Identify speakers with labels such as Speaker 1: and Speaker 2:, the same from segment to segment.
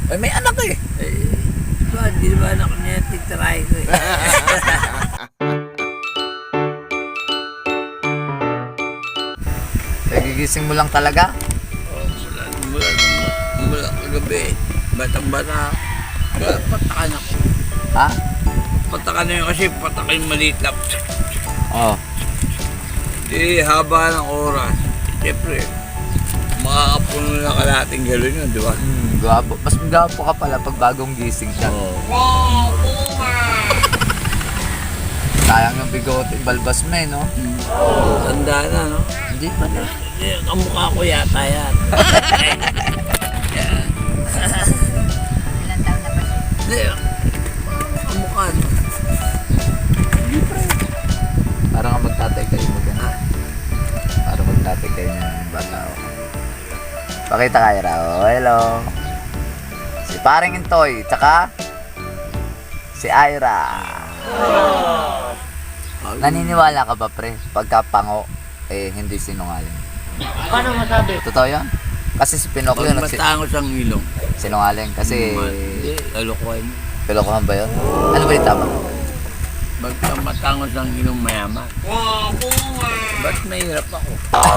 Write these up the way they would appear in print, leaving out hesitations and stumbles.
Speaker 1: Ay, may anak eh.
Speaker 2: Di ba anak niya titirahin ko eh.
Speaker 1: Nagigising mo lang talaga?
Speaker 2: Mula kagabi. Batang-bata. Patakan ako.
Speaker 1: Ha?
Speaker 2: Patakan na yun kasi patakan maliit lang.
Speaker 1: Oo.
Speaker 2: Di haba ng oras. Siyempre, makakapuno na kalating gano'n yun, di ba?
Speaker 1: Gwapo. Mas gwapo ka pala pag bagong gising siya. Sayang yung bigote, balbas mo eh, no?
Speaker 2: Tanda na, no?
Speaker 1: Hindi pa na.
Speaker 2: Kamukha ko yata yan.
Speaker 3: Ilang taon na ba siya?
Speaker 2: Hindi, kamukha, no?
Speaker 1: Parang nga magtatay kayo mo gano'n. Parang magtatay kayo ng bata. Pakita kayo raw. Hello. Si paring Intoy, tsaka si Ira. Naniniwala ka ba pre? Pagka pango, eh hindi sinungaling.
Speaker 2: Paano masabi?
Speaker 1: Totoo yan? Kasi si Pinocchio
Speaker 2: Pag matangos ang ilong.
Speaker 1: sinungaling. Kasi
Speaker 2: Hindi, kalokohan.
Speaker 1: pilokohan ba yun? Ano ba yung tama?
Speaker 2: Pagka matangos ang ilong mayaman. Ba't mahirap ako?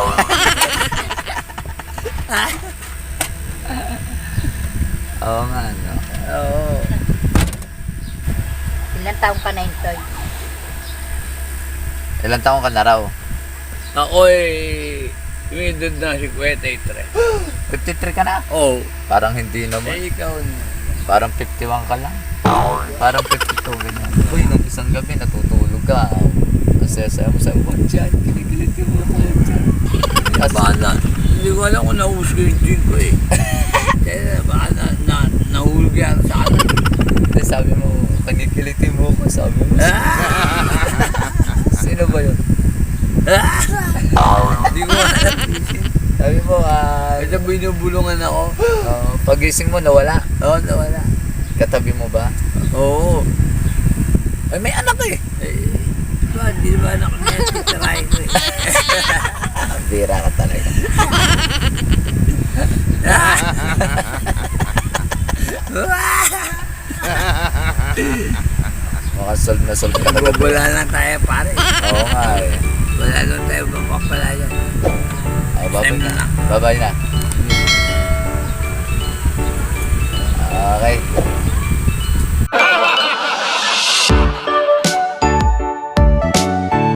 Speaker 1: Oo nga, no?
Speaker 2: Oo.
Speaker 3: Ilang taon ka na Intoy?
Speaker 1: Ilang taon ka na raw?
Speaker 2: Ako'y tumindod na 53.
Speaker 1: 53 ka na?
Speaker 2: Oo.
Speaker 1: Parang hindi naman.
Speaker 2: Eh, ikaw na.
Speaker 1: Parang 51 ka lang. Parang 52 ganyan. Uy, nung isang gabi natutulog ka. Ang saya-saya mo sa uwan dyan. Kinikilit yung mga uwan dyan.
Speaker 2: Baka hindi ko alam kung nahusgo yung drink ko eh. Kaya baka nahulog yan sa akin.
Speaker 1: Hindi, sabi mo, kinikilitin mo ko. Sabi mo, sino ba yun?
Speaker 2: Hindi ko alam.
Speaker 1: Sabi mo,
Speaker 2: Kasi binubulungan ako.
Speaker 1: pagising mo nawala.
Speaker 2: Oo, nawala.
Speaker 1: Katabi mo ba?
Speaker 2: Oo.
Speaker 1: Ay, may anak eh.
Speaker 2: Di ba anak niya titirahin ko eh.
Speaker 1: Ang bira ka talaga. Mukhang solve na solve ka na.
Speaker 2: Wala lang tayo pare.
Speaker 1: Oo nga eh.
Speaker 2: Wala lang tayo mapapala yan.
Speaker 1: Ay, babay
Speaker 2: Time
Speaker 1: na.
Speaker 2: na.
Speaker 1: Babay na. Okay.